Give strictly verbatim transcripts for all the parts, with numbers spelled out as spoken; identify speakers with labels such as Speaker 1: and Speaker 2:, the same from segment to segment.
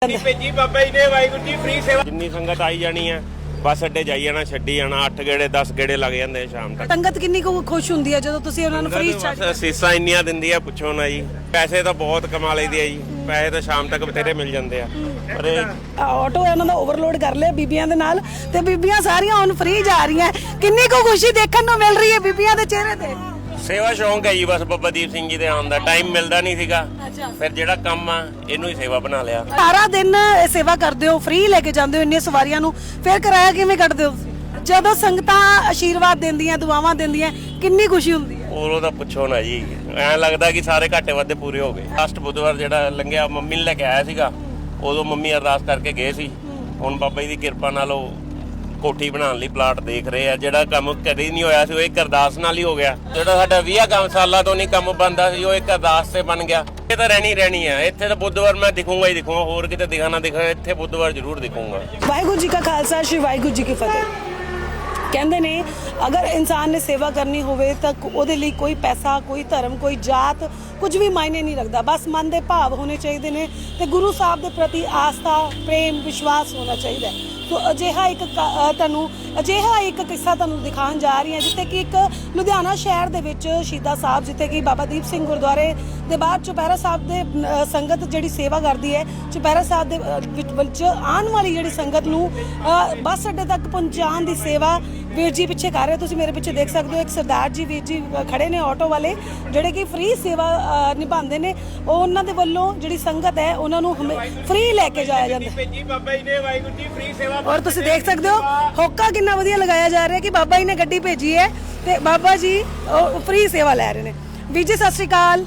Speaker 1: ਭੇਜੀ ਬਾਬਾ ਜੀ ਨੇ ਵਾਹਿਗੁਰੂ ਜੀ ਫ੍ਰੀ ਸੇਵਾ ਜਿੰਨੀ ਸੰਗਤ ਆਈ ਜਾਣੀ ਹੈ ਬੱਸ ਅੱਡੇ ਜਾਈ ਜਾਣਾ ਛੱਡੀ ਜਾਣਾ ਅੱਠ ਗੇੜੇ ਦਸ ਗੇੜੇ ਲੱਗ ਜਾਂਦੇ ਸ਼ਾਮ ਤੱਕ।
Speaker 2: ਸੰਗਤ ਕਿੰਨੀ ਕੁ ਖੁਸ਼ ਹੁੰਦੀ ਹੈ ਜਦੋਂ ਤੁਸੀਂ ਉਹਨਾਂ ਨੂੰ ਫ੍ਰੀ ਛੱਡ
Speaker 1: ਬਸ ਸੀਸਾਂ ਇੰਨੀਆਂ ਦਿੰਦੀ ਆ ਪੁੱਛੋ ਨਾ ਜੀ। ਪੈਸੇ ਤਾਂ ਬਹੁਤ ਕਮਾ ਲਈਦੀ ਆ ਜੀ, ਪੈਸੇ ਤਾਂ ਸ਼ਾਮ ਤੱਕ ਬਥੇਰੇ ਮਿਲ ਜਾਂਦੇ ਆ। ਪਰ
Speaker 2: ਆਟੋ ਉਹਨਾਂ ਦਾ ਓਵਰਲੋਡ ਕਰ ਲਿਆ ਬੀਬੀਆਂ ਦੇ ਨਾਲ ਤੇ ਬੀਬੀਆਂ ਸਾਰੀਆਂ ਹੁਣ ਫ੍ਰੀ ਜਾ ਰਹੀਆਂ। ਕਿੰਨੀ ਕੁ ਖੁਸ਼ੀ ਦੇਖਣ ਨੂੰ ਮਿਲ ਰਹੀ ਹੈ ਬੀਬੀਆਂ ਦੇ ਚਿਹਰੇ ਤੇ।
Speaker 1: ਸੇਵਾ ਸ਼ੌਂਕ ਹੈ ਜੀ, ਬਸ ਬਾਬਾ ਦੀਪ ਸਿੰਘ ਜੀ ਦੇ ਆਉਣ ਦਾ ਟਾਈਮ ਮਿਲਦਾ ਨਹੀਂ ਸੀਗਾ, ਫਿਰ ਜਿਹੜਾ ਕੰਮ ਆ ਇਹਨੂੰ ਹੀ ਸੇਵਾ ਬਣਾ ਲਿਆ।
Speaker 2: ਸਾਰਾ ਦਿਨ ਸੇਵਾ ਕਰਦੇ ਹੋ, ਫ੍ਰੀ ਲੈ ਕੇ ਜਾਂਦੇ ਹੋ ਇੰਨੀਆਂ ਸਵਾਰੀਆਂ ਨੂੰ, ਫਿਰ ਕਿਰਾਇਆ ਕਿਵੇਂ ਕੱਢਦੇ ਹੋ? ਜਦੋਂ ਸੰਗਤਾਂ ਆਸ਼ੀਰਵਾਦ ਦਿੰਦੀਆਂ ਦੁਆਵਾਂ ਦਿੰਦੀਆਂ ਕਿੰਨੀ ਖੁਸ਼ੀ ਹੁੰਦੀ ਹੈ।
Speaker 1: ਉਹ ਤਾਂ ਪੁੱਛੋ ਨਾ ਜੀ, ਐਂ ਲੱਗਦਾ ਕਿ ਸਾਰੇ ਘਾਟੇ ਵਾਧੇ ਪੂਰੇ ਹੋ ਗਏ। ਲਾਸਟ ਬੁੱਧਵਾਰ ਜਿਹੜਾ ਲੰਘਿਆ ਮੰਮੀ ਨੂੰ ਲੈ ਕੇ ਆਇਆ ਸੀਗਾ, ਉਦੋਂ ਮੰਮੀ ਅਰਦਾਸ ਕਰਕੇ ਗਏ ਸੀ। ਹੁਣ ਬਾਬਾ ਜੀ ਦੀ ਕਿਰਪਾ ਨਾਲ ਉਹ ਕੋਠੀ ਬਣਾਉਣ ਲਈ ਪਲਾਟ ਦੇਖ ਰਹੇ ਆ। ਜਿਹੜਾ ਕੰਮ ਕਦੇ ਨਹੀਂ ਹੋਇਆ ਸੀ ਉਹ ਇੱਕ ਅਰਦਾਸ ਨਾਲ ਹੀ ਹੋ ਗਿਆ। ਜਿਹੜਾ ਸਾਡਾ ਵੀਹ ਕੰਮ ਸਾਲਾਂ ਤੋਂ ਨਹੀਂ ਕੰਮ ਬਣਦਾ ਸੀ ਉਹ ਇੱਕ ਅਰਦਾਸ ਤੇ ਬਣ ਗਿਆ। ਇਹ ਤਾਂ ਰਹਿਣੀ ਰਹਿਣੀ ਆ। ਇੱਥੇ ਤਾਂ ਬੁੱਧਵਾਰ ਮੈਂ ਦਿਖੂੰਗਾ ਹੀ ਦਿਖੂੰਗਾ, ਹੋਰ ਕਿਤੇ ਦਿਖਾ ਨਾ ਦਿਖਾ, ਇੱਥੇ ਬੁੱਧਵਾਰ ਜ਼ਰੂਰ ਦਿਖੂੰਗਾ।
Speaker 2: ਵਾਹਿਗੁਰੂ ਜੀ ਕਾ ਖਾਲਸਾ, ਸ਼੍ਰੀ ਵਾਹਿਗੁਰੂ ਜੀ ਕੀ ਫਤਿਹ। ਕਹਿੰਦੇ ਨੇ ਅਗਰ ਇਨਸਾਨ ਨੇ ਸੇਵਾ ਕਰਨੀ ਹੋਵੇ ਤਾਂ ਉਹਦੇ ਲਈ ਕੋਈ ਪੈਸਾ, ਕੋਈ ਧਰਮ, ਕੋਈ ਜਾਤ ਕੁਝ ਵੀ ਮਾਇਨੇ ਨਹੀਂ ਰੱਖਦਾ। ਬਸ ਮਨ ਦੇ ਭਾਵ ਹੋਣੇ ਚਾਹੀਦੇ ਨੇ ਤੇ ਗੁਰੂ ਸਾਹਿਬ ਦੇ ਪ੍ਰਤੀ ਆਸਥਾ, ਪ੍ਰੇਮ, ਵਿਸ਼ਵਾਸ ਹੋਣਾ ਚਾਹੀਦਾ ਹੈ। ਸੋ ਅਜਿਹਾ ਇੱਕ ਤੁਹਾਨੂੰ ਅਜਿਹਾ ਇੱਕ ਕਿੱਸਾ ਤੁਹਾਨੂੰ ਦਿਖਾਉਣ ਜਾ ਰਹੀ ਹਾਂ, ਜਿੱਥੇ ਕਿ ਇੱਕ ਲੁਧਿਆਣਾ ਸ਼ਹਿਰ ਦੇ ਵਿੱਚ ਸ਼ਹੀਦਾਂ ਸਾਹਿਬ, ਜਿੱਥੇ ਕਿ ਬਾਬਾ ਦੀਪ ਸਿੰਘ ਗੁਰਦੁਆਰੇ ਦੇ ਬਾਹਰ ਚੁਪਹਿਰਾ ਸਾਹਿਬ ਦੇ ਸੰਗਤ ਜਿਹੜੀ ਸੇਵਾ ਕਰਦੀ ਹੈ, ਚੁਪਹਿਰਾ ਸਾਹਿਬ ਦੇ ਵਿੱਚ ਆਉਣ ਵਾਲੀ ਜਿਹੜੀ ਸੰਗਤ ਨੂੰ ਬੱਸ ਅੱਡੇ ਤੱਕ ਪਹੁੰਚਾਉਣ ਦੀ ਸੇਵਾ ਵੀਰ ਜੀ ਪਿੱਛੇ ਕਰ ਰਹੇ। ਤੁਸੀਂ ਮੇਰੇ ਪਿੱਛੇ ਦੇਖ ਸਕਦੇ ਹੋ ਇੱਕ ਸਰਦਾਰ ਜੀ ਵੀਰ ਜੀ ਖੜੇ ਨੇ ਆਟੋ ਵਾਲੇ, ਜਿਹੜੇ ਕਿ ਫ੍ਰੀ ਸੇਵਾ ਨਿਭਾਉਂਦੇ ਨੇ। ਉਹ ਉਹਨਾਂ ਦੇ ਵੱਲੋਂ ਜਿਹੜੀ ਸੰਗਤ ਹੈ ਉਹਨਾਂ ਨੂੰ ਫ੍ਰੀ ਲੈ ਕੇ ਜਾਇਆ ਜਾਂਦਾ
Speaker 1: ਭੇਜੀ ਬਾਬਾ ਜੀ ਨੇ ਵਾਹਿਗੁਰੂ ਜੀ ਫ੍ਰੀ ਸੇਵਾ।
Speaker 2: ਔਰ ਤੁਸੀਂ ਦੇਖ ਸਕਦੇ ਹੋ ਹੋਕਾ ਕਿੰਨਾ ਵਧੀਆ ਲਗਾਇਆ ਜਾ ਰਿਹਾ ਕਿ ਬਾਬਾ ਜੀ ਨੇ ਗੱਡੀ ਭੇਜੀ ਹੈ ਤੇ ਬਾਬਾ ਜੀ ਫ੍ਰੀ ਸੇਵਾ ਲੈ ਰਹੇ ਨੇ। ਵੀਰ ਜੀ ਸਤਿ ਸ਼੍ਰੀ ਅਕਾਲ।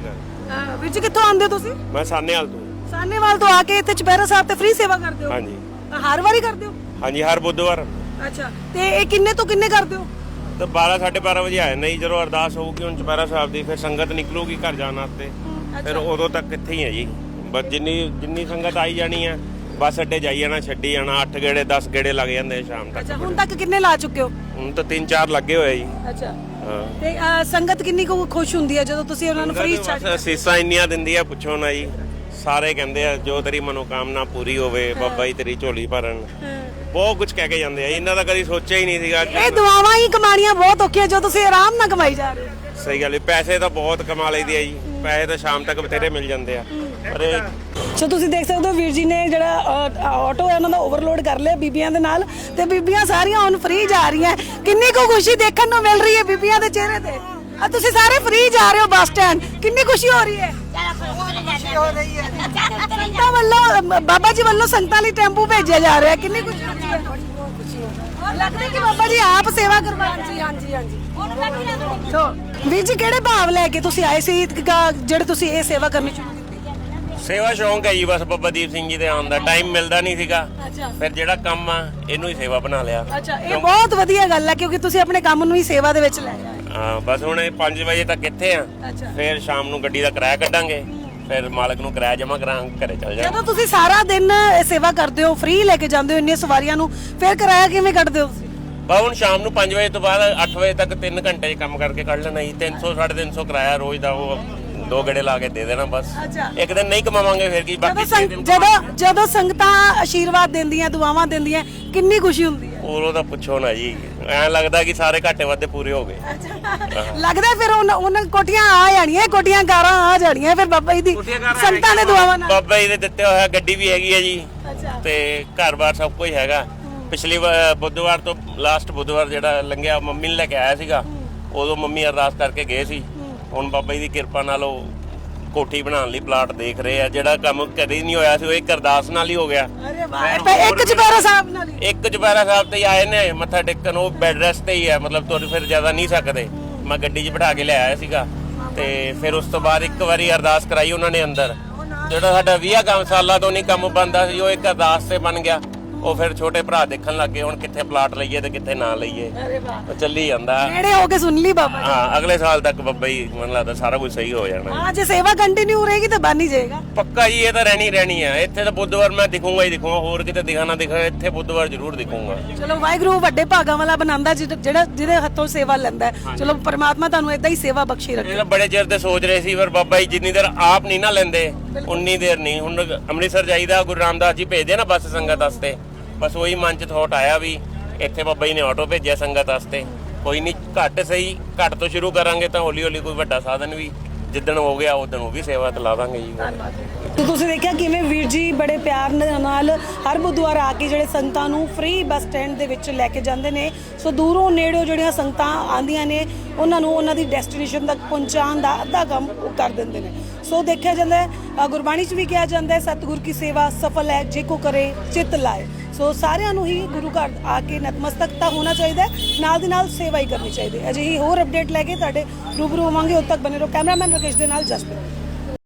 Speaker 2: ਵੀਰ ਜੀ ਕਿੱਥੋਂ ਆਉਂਦੇ ਹੋ ਤੁਸੀਂ?
Speaker 1: ਮੈਂ ਸਾਨੇਵਾਲ ਤੋਂ।
Speaker 2: ਸਾਨੇਵਾਲ ਤੋਂ ਆ ਕੇ ਇੱਥੇ ਚੁਪਹਿਰਾ ਸਾਹਿਬ ਤੇ ਫ੍ਰੀ ਸੇਵਾ ਕਰਦੇ ਹੋ?
Speaker 1: ਹਾਂਜੀ।
Speaker 2: ਹਰ ਵਾਰੀ ਕਰਦੇ ਹੋ?
Speaker 1: ਹਾਂਜੀ, ਹਰ ਬੁੱਧਵਾਰ।
Speaker 2: ਅੱਛਾ, ਤੇ ਇਹ ਕਿੰਨੇ ਤੋਂ ਕਿੰਨੇ ਕਰਦੇ ਹੋ?
Speaker 1: ਤਾਂ ਬਾਰਾਂ ਸਾਢੇ ਬਾਰਾਂ ਵਜੇ ਆਏ ਨਹੀਂ, ਜਦੋਂ ਅਰਦਾਸ ਹੋਊਗੀ ਹੁਣ ਚੁਪਹਿਰਾ ਸਾਹਿਬ ਦੀ, ਫਿਰ ਸੰਗਤ ਨਿਕਲੂਗੀ ਘਰ ਜਾਣ ਵਾਸਤੇ, ਫਿਰ ਉਦੋਂ ਤੱਕ ਇੱਥੇ ਹੀ ਹੈ ਜੀ। ਬਸ ਜਿੰਨੀ ਜਿੰਨੀ ਸੰਗਤ ਆਈ ਜਾਣੀ ਹੈ ਬੱਸ ਅੱਡੇ ਜਾਈ ਜਾਣਾ ਛੱਡੀ ਜਾਣਾ ਅੱਠ ਗੇੜੇ ਦਸ ਗੇੜੇ ਲੱਗ ਜਾਂਦੇ ਸ਼ਾਮ ਤੱਕ।
Speaker 2: ਅੱਛਾ, ਹੁਣ ਤੱਕ ਕਿੰਨੇ ਲਾ ਚੁੱਕੇ ਹੋ?
Speaker 1: ਹੁਣ ਤਾਂ ਤਿੰਨ ਚਾਰ ਲੱਗੇ ਹੋਏ ਜੀ।
Speaker 2: ਅੱਛਾ,
Speaker 1: ਹਾਂ।
Speaker 2: ਤੇ ਸੰਗਤ ਕਿੰਨੀ ਕੁ ਖੁਸ਼ ਹੁੰਦੀ ਹੈ ਜਦੋਂ ਤੁਸੀਂ ਉਹਨਾਂ ਨੂੰ ਫ੍ਰੀ ਛੱਡ?
Speaker 1: ਸੀਸਾਂ ਇੰਨੀਆਂ ਦਿੰਦੀ ਆ ਪੁੱਛੋ ਨਾ ਜੀ। ਸਾਰੇ ਕਹਿੰਦੇ ਆ ਜੋ ਤੇਰੀ ਮਨੋਕਾਮਨਾ ਪੂਰੀ ਹੋਵੇ ਬਾਬਾ ਜੀ ਤੇਰੀ ਝੋਲੀ ਭਰਨ, ਬਹੁਤ ਕੁਝ ਕਹਿ ਕੇ ਜਾਂਦੇ ਆ। ਇਹਨਾਂ ਦਾ ਕਦੀ ਸੋਚਿਆ ਹੀ ਨਹੀਂ ਸੀਗਾ।
Speaker 2: ਇਹ ਦੁਆਵਾਂ ਹੀ ਕਮਾਣੀਆਂ ਬਹੁਤ ਔਖੀਆਂ ਜੋ ਤੁਸੀਂ ਆਰਾਮ ਨਾਲ ਕਮਾਈ ਜਾ ਰਹੇ ਹੋ।
Speaker 1: ਸਹੀ ਗੱਲ ਹੈ, ਪੈਸੇ ਤਾਂ ਬਹੁਤ ਕਮਾ ਲਈਦੀ ਆ ਜੀ, ਪੈਸੇ ਤਾਂ ਸ਼ਾਮ ਤੱਕ ਬਥੇਰੇ ਮਿਲ ਜਾਂਦੇ ਆ। ਪਰ
Speaker 2: ਸੋ ਤੁਸੀਂ ਦੇਖ ਸਕਦੇ ਹੋ ਵੀਰ ਜੀ ਨੇ ਜਿਹੜਾ ਆਟੋ ਹੈ ਉਹਨਾਂ ਦਾ ਓਵਰਲੋਡ ਕਰ ਲਿਆ ਬੀਬੀਆਂ ਦੇ ਨਾਲ ਤੇ ਬੀਬੀਆਂ ਸਾਰੀਆਂ ਹੁਣ ਫ੍ਰੀ ਜਾ ਰਹੀਆਂ। ਕਿੰਨੀ ਕੁ ਖੁਸ਼ੀ ਦੇਖਣ ਨੂੰ ਮਿਲ ਰਹੀ ਹੈ ਬੀਬੀਆਂ ਦੇ ਚਿਹਰੇ ਤੇ। ਆ ਤੁਸੀਂ ਸਾਰੇ ਫ੍ਰੀ ਜਾ ਰਹੇ ਹੋ ਬੱਸ ਸਟੈਂਡ, ਕਿੰਨੀ ਖੁਸ਼ੀ ਹੋ ਰਹੀ ਹੈ?
Speaker 3: ਹੋ ਰਹੀ ਹੈ।
Speaker 2: ਸੰਗਤਾਂ ਵੱਲੋਂ, ਬਾਬਾ ਜੀ ਵੱਲੋਂ ਸੰਗਤਾਂ ਲਈ ਟੈਂਪੂ ਭੇਜਿਆ ਜਾ ਰਿਹਾ, ਕਿੰਨੀ ਖੁਸ਼ੀ ਹੁੰਦੀ ਹੈ? ਲੱਗਦਾ ਕਿ ਬਾਬਾ ਜੀ ਆਪ ਸੇਵਾ ਕਰਵਾਉਣ।
Speaker 3: ਹਾਂਜੀ ਹਾਂਜੀ ਹਾਂਜੀ।
Speaker 2: ਸੋ ਵੀਰ ਜੀ ਕਿਹੜੇ ਭਾਵ ਲੈ ਕੇ ਤੁਸੀਂ ਆਏ ਸੀ ਜਿਹੜੇ ਤੁਸੀਂ ਇਹ ਸੇਵਾ ਕਰਨੀ ਸ਼ੁਰੂ ਕੀਤੀ?
Speaker 1: ਸੇਵਾ ਸ਼ੌਂਕ ਹੈ ਜੀ, ਬਸ ਬਾਬਾ ਦੀਪ ਸਿੰਘ ਜੀ ਦੇ ਆਉਣ ਦਾ ਟਾਈਮ ਮਿਲਦਾ ਨਹੀਂ ਸੀਗਾ, ਫਿਰ ਜਿਹੜਾ ਕੰਮ ਆ ਇਹਨੂੰ ਹੀ ਸੇਵਾ ਬਣਾ ਲਿਆ।
Speaker 2: ਅੱਛਾ, ਇਹ ਬਹੁਤ ਵਧੀਆ ਗੱਲ ਹੈ ਕਿਉਂਕਿ ਤੁਸੀਂ ਆਪਣੇ ਕੰਮ ਨੂੰ ਹੀ ਸੇਵਾ ਦੇ ਵਿੱਚ ਲੈ ਆਏ।
Speaker 1: ਹਾਂ, ਬਸ ਹੁਣ ਪੰਜ ਵਜੇ ਤੱਕ ਇੱਥੇ ਆ, ਫਿਰ ਸ਼ਾਮ ਨੂੰ ਗੱਡੀ ਦਾ ਕਿਰਾਇਆ ਕੱਢਾਂਗੇ, ਫਿਰ ਮਾਲਕ ਨੂੰ ਕਿਰਾਇਆ ਜਮਾ ਕਰਾਂਗੇ, ਘਰੇ ਚੱਲ ਜਾਵਾਂਗੇ।
Speaker 2: ਜਦੋਂ ਤੁਸੀਂ ਸਾਰਾ ਦਿਨ ਸੇਵਾ ਕਰਦੇ ਹੋ, ਫ੍ਰੀ ਲੈ ਕੇ ਜਾਂਦੇ ਹੋ ਇੰਨੀਆਂ ਸਵਾਰੀਆਂ ਨੂੰ, ਫਿਰ ਕਿਰਾਇਆ ਕਿਵੇਂ ਕੱਢਦੇ ਹੋ?
Speaker 1: ਬਾ ਹੁਣ ਸ਼ਾਮ ਨੂੰ ਪੰਜ ਵਜੇ ਤੋਂ ਬਾਅਦ ਅੱਠ ਵਜੇ ਤੱਕ ਤਿੰਨ ਘੰਟੇ ਕੰਮ ਕਰਕੇ ਕੱਢ ਲੈਣਾ ਜੀ। ਤਿੰਨ ਸੌ ਸਾਢੇ ਤਿੰਨ ਸੌ ਕਿਰਾਇਆ ਰੋਜ਼ ਦਾ, ਉਹ ਦੋ ਗੇੜੇ ਲਾ ਕੇ ਦੇ ਦੇਣਾ ਬਸ। ਇੱਕ ਦਿਨ ਨਹੀਂ ਕਮਾਵਾਂਗੇ ਫਿਰ ਕੀ, ਬਾਕੀ
Speaker 2: ਜਦੋਂ ਜਦੋਂ ਸੰਗਤਾਂ ਆਸ਼ੀਰਵਾਦ ਦਿੰਦੀਆਂ ਦੁਆਵਾਂ ਦਿੰਦੀਆਂ ਕਿੰਨੀ ਖੁਸ਼ੀ ਹੁੰਦੀ ਹੈ।
Speaker 1: ਉਹ ਤਾਂ ਪੁੱਛੋ ਨਾ ਜੀ, ਐਂ ਲੱਗਦਾ ਕਿ ਸਾਰੇ ਘਾਟੇ ਵਾਧੇ ਪੂਰੇ ਹੋ ਗਏ।
Speaker 2: ਲੱਗਦਾ ਫਿਰ ਉਹਨਾਂ ਕੋਠੀਆਂ ਆ ਜਾਣੀਆਂ, ਕੋਠੀਆਂ ਕਾਰਾਂ ਆ ਜਾਣੀਆਂ ਫਿਰ ਬਾਬਾ ਜੀ ਦੀ ਸੰਗਤਾਂ ਦੇ ਦੁਆਵਾਂ ਨਾਲ।
Speaker 1: ਬਾਬਾ ਜੀ ਦੇ ਦਿੱਤੇ ਹੋਇਆ ਗੱਡੀ ਵੀ ਹੈਗੀ ਹੈ ਜੀ, ਤੇ ਘਰ-ਬਾਰ ਸਭ ਕੁਝ ਹੈਗਾ। ਪਿਛਲੀ ਬੁੱਧਵਾਰ ਤੋਂ ਲਾਸਟ ਬੁੱਧਵਾਰ ਜਿਹੜਾ ਲੰਘਿਆ ਮੰਮੀ ਨੂੰ ਲੈ ਕੇ ਆਇਆ ਸੀਗਾ, ਉਦੋਂ ਮੰਮੀ ਅਰਦਾਸ ਕਰਕੇ ਗਏ ਸੀ। ਹੁਣ ਬਾਬਾ ਜੀ ਦੀ ਕਿਰਪਾ ਨਾਲ ਉਹ ਕੋਠੀ ਬਣਾਉਣ ਲਈ ਪਲਾਟ ਦੇਖ ਰਹੇ ਆ। ਜਿਹੜਾ ਕੰਮ ਕਦੇ ਨਹੀਂ ਹੋਇਆ ਸੀ ਉਹ ਇੱਕ ਅਰਦਾਸ ਨਾਲ ਹੀ ਹੋ ਗਿਆ।
Speaker 2: ਇੱਕ ਚੁਪਹਿਰਾ ਸਾਹਿਬ ਨਾਲ ਹੀ
Speaker 1: ਇੱਕ ਚੁਪਹਿਰਾ ਸਾਹਿਬ ਤੇ ਆਏ ਨੇ ਮੱਥਾ ਟੇਕਣ, ਉਹ ਬੈੱਡ ਰੈਸਟ ਤੇ ਹੀ ਹੈ, ਮਤਲਬ ਤੁਰ ਫਿਰ ਜ਼ਿਆਦਾ ਨਹੀਂ ਸਕਦੇ। ਮੈਂ ਗੱਡੀ 'ਚ ਬਿਠਾ ਕੇ ਲਿਆਇਆ ਸੀਗਾ, ਤੇ ਫਿਰ ਉਸ ਤੋਂ ਬਾਅਦ ਇੱਕ ਵਾਰੀ ਅਰਦਾਸ ਕਰਾਈ ਉਹਨਾਂ ਨੇ ਅੰਦਰ। ਜਿਹੜਾ ਸਾਡਾ ਵੀਹ ਕੰਮ ਸਾਲਾਂ ਤੋਂ ਨਹੀਂ ਕੰਮ ਬਣਦਾ ਸੀ ਉਹ ਇੱਕ ਅਰਦਾਸ ਤੇ ਬਣ ਗਿਆ। ਉਹ ਫਿਰ ਛੋਟੇ ਭਰਾ ਦੇਖਣ ਲੱਗੇ ਹੁਣ ਕਿੱਥੇ ਪਲਾਟ ਲਈਏ ਤੇ ਕਿੱਥੇ ਨਾ ਲਈਏ, ਚੱਲੀ ਜਾਂਦਾ।
Speaker 2: ਨੇੜੇ ਹੋ ਕੇ ਸੁਣ ਲਈ ਬਾਬਾ।
Speaker 1: ਹਾਂ, ਅਗਲੇ ਸਾਲ ਤੱਕ ਬਾਬਾ ਜੀ ਮੈਨੂੰ ਲੱਗਦਾ ਸਾਰਾ ਕੁਝ ਸਹੀ ਹੋ ਜਾਣਾ।
Speaker 2: ਹਾਂ, ਜੇ ਸੇਵਾ ਕੰਟੀਨਿਊ ਰਹੇਗੀ ਤਾਂ ਬਣ ਹੀ ਜਾਏਗਾ
Speaker 1: ਪੱਕਾ ਜੀ। ਇਹ ਤਾਂ ਰਹਿਣੀ ਰਹਿਣੀ ਹੈ। ਇੱਥੇ ਤਾਂ ਬੁੱਧਵਾਰ ਮੈਂ ਦਿਖੂੰਗਾ ਹੀ ਦਿਖੂੰਗਾ, ਹੋਰ ਕਿਤੇ ਦਿਖਾ ਨਾ ਦਿਖਾ, ਇੱਥੇ ਬੁੱਧਵਾਰ ਜ਼ਰੂਰ ਦਿਖੂੰਗਾ।
Speaker 2: ਚਲੋ ਵਾਹਿਗੁਰੂ ਵੱਡੇ ਭਾਗਾਂ ਵਾਲਾ ਬਣਾਉਂਦਾ ਜਿਹੜਾ ਜਿਹਦੇ ਹੱਥੋਂ ਸੇਵਾ ਲੈਂਦਾ। ਚਲੋ ਪਰਮਾਤਮਾ ਤੁਹਾਨੂੰ ਏਦਾਂ ਹੀ ਸੇਵਾ ਬਖਸ਼ੀ ਰੱਖੇ।
Speaker 1: ਇਹ ਤਾਂ ਬੜੇ ਚਿਰ ਤੇ ਸੋਚ ਰਹੇ ਸੀ, ਪਰ ਬਾਬਾ ਜੀ ਜਿੰਨੀ ਦੇਰ ਆਪ ਨਹੀਂ ਨਾ ਲੈਂਦੇ ਉਨੀ ਦੇਰ ਨਹੀਂ। ਹੁਣ ਅੰਮ੍ਰਿਤਸਰ ਜਾਈਦਾ, ਗੁਰੂ ਰਾਮਦਾਸ ਜੀ ਭੇਜਦੇ ਨਾ ਬੱਸ ਸੰਗਤ ਵਾਸਤੇ, ਬਸ ਉਹੀ ਮਨ ਚ ਥੋਟ ਆਇਆ ਵੀ ਇੱਥੇ ਬਾਬਾ ਜੀ ਨੇ ਆਟੋ ਭੇਜਿਆ ਸੰਗਤ ਵਾਸਤੇ। ਕੋਈ ਨਹੀਂ, ਘੱਟ ਸਹੀ, ਘੱਟ ਤੋਂ ਸ਼ੁਰੂ ਕਰਾਂਗੇ ਤਾਂ ਹੌਲੀ ਹੌਲੀ ਕੋਈ ਵੱਡਾ ਸਾਧਨ ਵੀ ਜਿੱਦਣ ਹੋ ਗਿਆ ਉਦਣ ਉਹ ਵੀ ਸੇਵਾ ਤੇ ਲਾ ਦਾਂਗੇ ਜੀ।
Speaker 2: ਤੇ ਤੁਸੀਂ ਦੇਖਿਆ ਕਿਵੇਂ ਵੀਰ ਜੀ ਬੜੇ ਪਿਆਰ ਨਾਲ ਹਰ ਬੁੱਧਵਾਰ ਆ ਕੇ ਜਿਹੜੇ ਸੰਗਤਾਂ ਨੂੰ ਫ੍ਰੀ ਬੱਸ ਸਟੈਂਡ ਦੇ ਵਿੱਚ ਲੈ ਕੇ ਜਾਂਦੇ ਨੇ। ਸੋ ਦੂਰੋਂ ਨੇੜਿਓਂ ਜਿਹੜੀਆਂ ਸੰਗਤਾਂ ਆਉਂਦੀਆਂ ਨੇ ਉਹਨਾਂ ਨੂੰ ਉਹਨਾਂ ਦੀ ਡੈਸਟੀਨੇਸ਼ਨ ਤੱਕ ਪਹੁੰਚਾਉਣ ਦਾ ਅੱਧਾ ਕੰਮ ਉਹ ਕਰ ਦਿੰਦੇ ਨੇ। ਸੋ ਦੇਖਿਆ ਜਾਂਦਾ ਹੈ, ਅ, ਗੁਰਬਾਣੀ 'ਚ ਵੀ ਕਿਹਾ ਜਾਂਦਾ ਹੈ, ਸਤਿਗੁਰ ਕੀ ਸੇਵਾ ਸਫਲ ਹੈ ਜੇ ਕੋ ਕਰੇ ਚਿੱਤ ਲਾਏ। ਸੋ ਸਾਰਿਆਂ ਨੂੰ ਹੀ ਗੁਰੂ ਘਰ ਆ ਕੇ ਨਤਮਸਤਕ ਤਾਂ ਹੋਣਾ ਚਾਹੀਦਾ, ਨਾਲ ਦੀ ਨਾਲ ਸੇਵਾ ਹੀ ਕਰਨੀ ਚਾਹੀਦੀ ਹੈ। ਅਜਿਹੀ ਹੋਰ ਅਪਡੇਟ ਲੈ ਕੇ ਤੁਹਾਡੇ ਰੂਬਰੂ ਹੋਵਾਂਗੇ। ਉਦੋਂ ਤੱਕ ਬਨੇ ਰਹੋ। ਕੈਮਰਾਮੈਨ ਰਾਕੇਸ਼ ਦੇ ਨਾਲ ਜਸਪ੍ਰੀਤ।